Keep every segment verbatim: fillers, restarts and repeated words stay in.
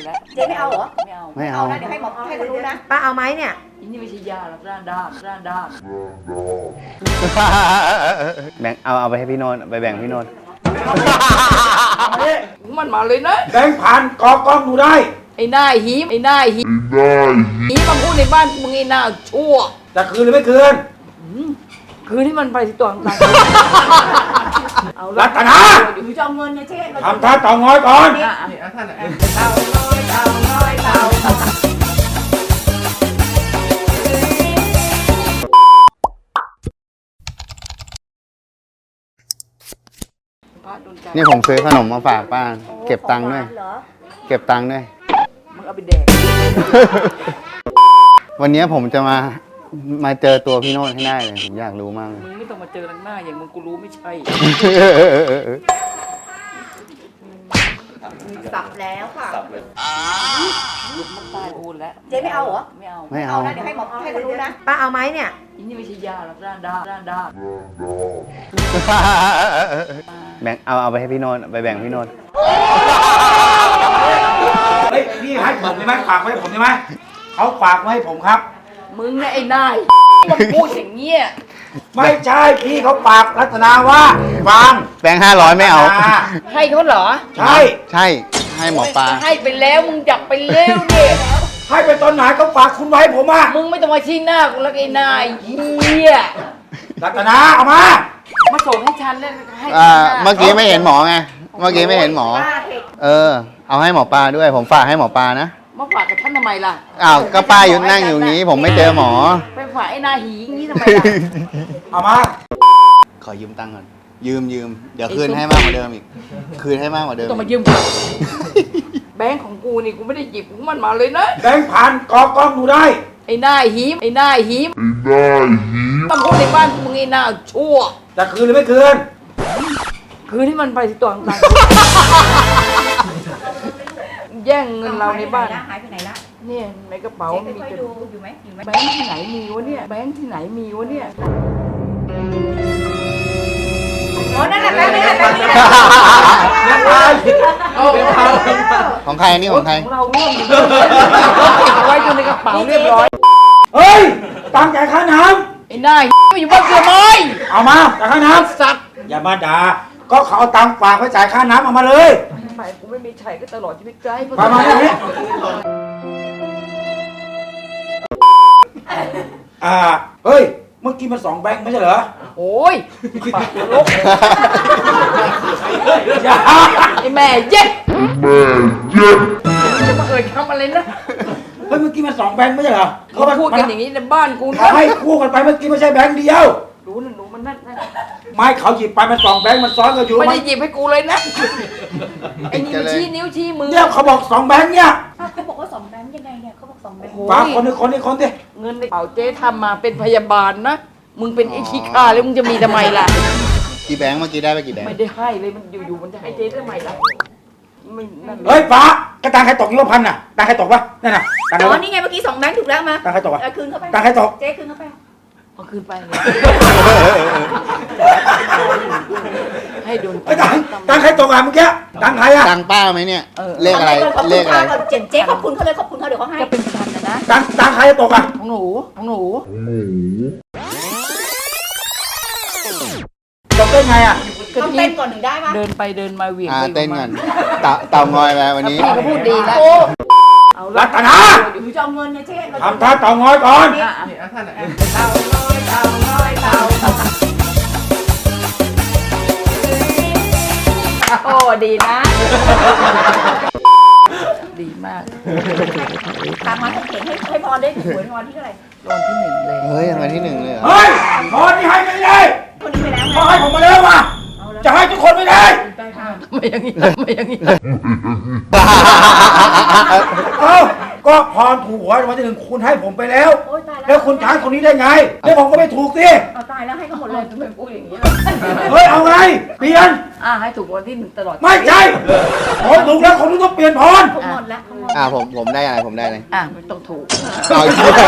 แล้วเจ๊ไม่เอาเหรอไม่เอาไม่เอานะเดี๋ยวให้หมอให้เขารู้นะป้าเอาไหมเนี่ยอันนี้ไม่ใช่ยาหรอกด้านด้านด้านด้านแบ่งเอาเอาไปให้พี่โนนไปแบ่งพี่โนนมันมาเลยนะแบงค์พันกอกล้องดูได้ไอ้หน้าหีมไอ้หน้าหีมหีมมาพูดในบ้านมึงไอ้หน้าชั่วจะคืนหรือไม่คืนคืนที่มันไปที่ตัวต่างๆเอารัตนาเดี๋ยวจะเอาเงินเนี่ยเจ๊ทำท่าเต่างอยก่อนอ่ะเต่าน้อยเต่าน้อยเต่าพระโดนใจนี่ผมซื้อขนมมาฝากป้าเก็บตังค์ด้วยเหรอเก็บตังค์ด้วยมึงเอาไปแดกวันนี้ผมจะมามาเจอตัวพี่โนนให้ได้เลยผมอยากรู้มากเลยมึงไม่ต้องมาเจอทางหน้าอย่างมึงกูรู้ไม่ใช่สับแล้วค่ะลุกมันตายโอนแล้วเจ๊ไม่เอาเหรอไม่เอาไม่เอานะเดี๋ยวให้หมอให้เขารู้นะป้าเอาไหมเนี่ยอันนี้ไม่ใช่ยาหรอกด้านด้านด้านด้านแบ่งเอาเอาไปให้พี่โนนไปแบ่งพี่โนนเฮ้ยพี่ให้ผมได้ไหมฝากไว้ให้ผมได้ไหมเขาฝากไว้ให้ผมครับมึงเนี่ยไอ้นายมันพูดอย่างเงี้ยไม่ใช่พี่เขาฝากรัตนาว่าฟังแบงค์ห้าร้อยไม่เอาให้เขาเหรอใช่ใช่ให้หมอปลาให้ไปแล้วมึงจับไปเร็วดิให้ไปตอนไหนเขาฝากคุณไว้ให้ผมอ่ะมึงไม่ต้องมาชี้หน้ากูแล้วไอ้นายเฮียรัตนาเอามามาส่งให้ฉันแล้วให้อ่าฉันหน้าเมื่อกี้ไม่เห็นหมอไงเมื่อกี้ไม่เห็นหมอป้าเทคเออ เอาให้หมอปลาด้วย ผมฝากให้หมอปลานะมาฝากกับท่านทำไมล่ะอ้าวก็ป้าอยู่นั่งอยู่นี้ ผมไม่เจอหมอไปฝากไอ้นาหีอย่างนี้ทำไมล่ะเอามาขอยืมตังค์ก่อนยืมยืมเดี๋ยวคืนให้มากกว่าเดิมอีก คืนให้มากกว่าเดิมต้องมายืมกูแบงค์ของกูนี่กูไม่ได้หยิบของมันมาเลยนะแบงค์พันกอกล้องดูได้ไอ้หน้าหีมไอ้หน้าหีมมาพูดในบ้านมึงไอ้หน้าชั่วจะคืนหรือไม่คืนคืนที่มันไปที่ตัวต่างๆแย่งเงินเราในบ้านหายไปไหนละเนี่ยในกระเป๋าเจ๊มีค่อยแต่ๆดูอยู่ไหมอยู่ไหมแบงค์ที่ไหนมีวะเนี่ยแบงค์ที่ไหนมีวะเนี่ยอ๋อนั่นแหละแป๊บนึงแป๊บนึงเอาไปเอาของใครอันนี้ของใครของเราร่วมอยู่เอาไว้อยู่ในกระเป๋าเรียบร้อยเฮ้ยตังค์จ่ายค่าน้ไอ้หน้าไม่อยู่บ้านเกลือไม้ำเอามาจ่ายค่าน้ำสัตว์อย่ามาด่าก็เขาเอาตังค์ฝากไว้จ่ายค่าน้ำเอามาเลยทำไมกูไม่มีใช้ก็ตลอดชีวิตใจมามาเนี่ยนี่อ่าเฮ้ยเมื่อกี้มันสองแบงค์ไม่ใช่เหรอโอ้ยปากลกอย่าไอ้แม่เย็ดจะมาเอ่ยคำอะไรนะเฮ้ยเมื่อกี้มันสองแบงค์ไม่ใช่เหรอเขาพูดกันอย่างนี้ในบ้านกูเขานะให้คู่กันไปเมื่อกี้ไม่ใช่แบงค์เดียวรู้นะหนูมันนั่นนะไม่เขาหยิบไปมันสองแบงค์มันซ้อนกันอยู่ไม่มัได้นหยิบให้กูเลยนะไอ้นี่มันชี้นิ้วชี้มือเนี่ยเขาบอกสองแบงค์เนี่ยเขาบอกว่าสองแบงค์ยังไงเนี่ยเขาบอกสองแบงค์ฝากคนนึงคนนี้คนดิเงินในกระเป๋าเจ๊ทำมาเป็นพยาบาลนะมึงเป็นไอ้ขี้ข้าแล้วมึงจะมีทำไมล่ะกี่แบงค์เมื่อกี้ได้ไปกี่แบงค์ไม่ได้ให้เลยมันอยู่ๆมันจะให้เจ๊ทำไมล่ะไม่นั่นเลเฮ้ยยฟ้ากระตังใครตกยี่พันน่ะตังใครตกวะนั่นน่ะตังใครอ๋อวะนี่ไงเมื่อกี้สองแบงค์ถูกแล้วมาตังใครตกวะเออคืนเข้าไปตังใครตกเจ๊คืนเข้าไปเอาคืนไปเลยให้โดนไอ้ตังตังใครตกอ่ะเมื่อกี้ตังใครอ่ะตังค์ป้าไหมเนี่ย เลขอะไรขอบเลคุณขอะไรค่ะเจ๊เจ๊ขอบคุณเขาเลยขอบคุณเขาเดี๋ยวเขาให้จะเป็นพันนะนะตังตังใครตกอ่ะของหนูของหนูตกได้ไงอ่ะต้องเต้นก่อนหนึ่งได้ปะเดินไปเดินมาเหวี่ยงอ่าไปเต้นกันเต่าเต่างอยไปวันนี้พี่ก็พูดดีแล้วเอารัละตนาเดี๋ยวจะเอาเงินเนี่ยเจ๊ทำท่าเต่างอยก่อนอ่ะเต่าน้อยเต่าน้อยเต่าโอ้ดีนะ ดีมากตามมาต้องเขียนให้ให้พรได้หวยพรที่เท่าไหร่รางวัลที่หนึ่งเลยเฮ้ยรางวัลที่หนึ่งเลยเหรอเฮ้ยพอนี่ให้ไม่ได้คนนี้ไปแล้วไงเขาให้ผมมาแล้วว่ะจะให้ทุกคนไม่ได้ได้ค่ะไม่อย่างนี้ไม่อย่างนี้เอ้าก็พรถูกหวยรางวัลที่หนึ่งคุณให้ผมไปแล้วโอ๊ยตายแล้วแล้วคุณจะให้คนนี้ได้ไงแล้วผมก็ไม่ถูกสิเอาตายแล้วให้เขาหมดเลยทำไมพูดอย่างนี้เฮ้ยเอาไงเปลี่ยนอ่ะให้ถูกรางวัลที่หนึ่งตลอดไม่ใช่ผมถูกแล้วคนนี้ต้องเปลี่ยนพรเขาหมดแล้วเขาหมดอ่าผมผมได้อะไรผมได้อะไรอ่ะไม่ต้องถูกเอาอีกแล้ว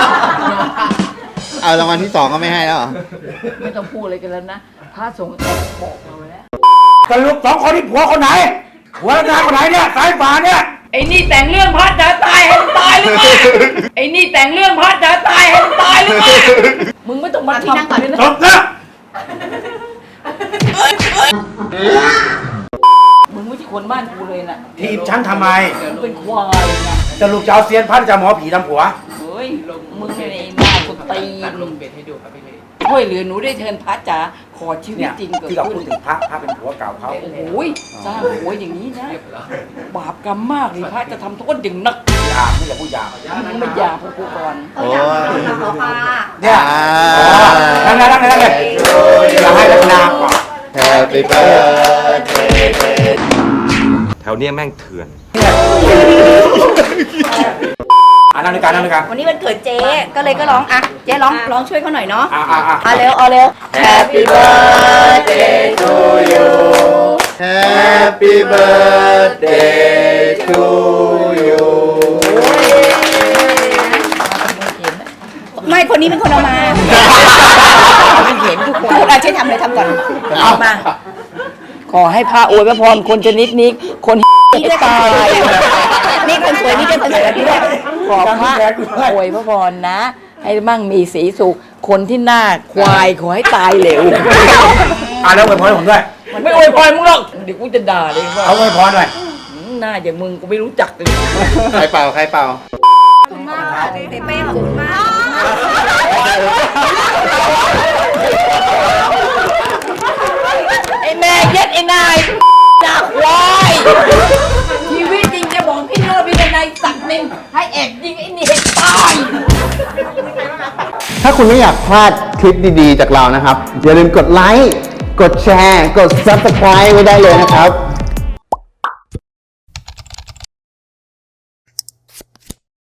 เอารางวัลที่สองก็ไม่ให้แล้วเหรอไม่ต้องพูดอะไรกันแล้วนะพระสงฆ์บอกเราแล้วสรุปสองคนนี้ผัวคนไหนผัวรัตนาคนไหนเนี่ยสายฝาเนี่ยไอ้อ้นี่แต่งเรื่องพระจะตายให้มันตายหรือไงไอ้นี่แต่งเรื่องพระจะตายให้มันตายหรือไงมึงไม่ต้องมาทำเลยนะจบนะมึงไม่ใช่คนบ้านกูเลยนะทีบฉันทำไมมึงเป็นควายนะจะลูกจะเอาเซียนพัดจะหมอผีทำผัวเฮ้ยมึงเป็นไอ้หน้าคนตีนลงเบ็ดให้ดูครับพี่ช่วยเหลือหนูได้เทินพระจ๋าขอชีวิตเนี่ยจริงเกิดที่เราขึ้พูดนถึงพระพระเป็นผัวเก่าเขาโอ้โหสร้างหัวอย่างนี้นะบาปกรรมมากเลยพระจะทำโทษอย่างหนักหยาบไม่อย่าพูดหยาบมึงไม่อยาพวกกูก่อนโอ้ยเนี่ยอ่านั่นนั่นนั่นนั่นเลยอย่าให้ลักนาก่อน Happy birthday แถวเนี้ยแม่งเถื่อนอ่านั่งด้วยกันนั่งด้วยกันวันนี้วันเกิดเจ๊ก็เลยก็ร้องอ่ะเจ๊ร้องร้องช่วยเขาหน่อยเนาะอ่าอ่าอ่าเอาเร็วเอาเร็ว Happy birthday to you Happy birthday to you ไม่คนนี้เป็นคนเอามาเห็นทุกคนพูดอาช่วยทำเลยทำก่อนเอามาขอให้พระอวยพรคนชนิดนี้คนนี่ด้วยตายนี่คนสวยนี่ด้วยคนสวยด้วยขอพระอวยพรนะ ให้มั่งมีสีสุขคนที่หน้าควายขอให้ตายเหลวอ่าแล้วอวยพรให้ผมด้วยไม่อวยพรมึงหรอกเดี๋ยวกูจะด่าเลยว่าเอาอวยพรหน่อยหน้าอย่างมึงกูไม่รู้จักเลยใครเป่าใครเป่าขอบคุณมากค่ะเจ๊เป้ขอบคุณมากไอ้แม่เย็ดไอ้นายจากควายชีวิตจริงจะบอกพี่โน้ตพี่นายสักหนึ่งให้แอบยิงไอ้นี่ให้ตายถ้าคุณไม่อยากพลาดคลิปดีๆจากเรานะครับ อย่าลืมกดไลค์ กดแชร์ กด ซับสไครบ์ ไว้ได้เลยนะครับ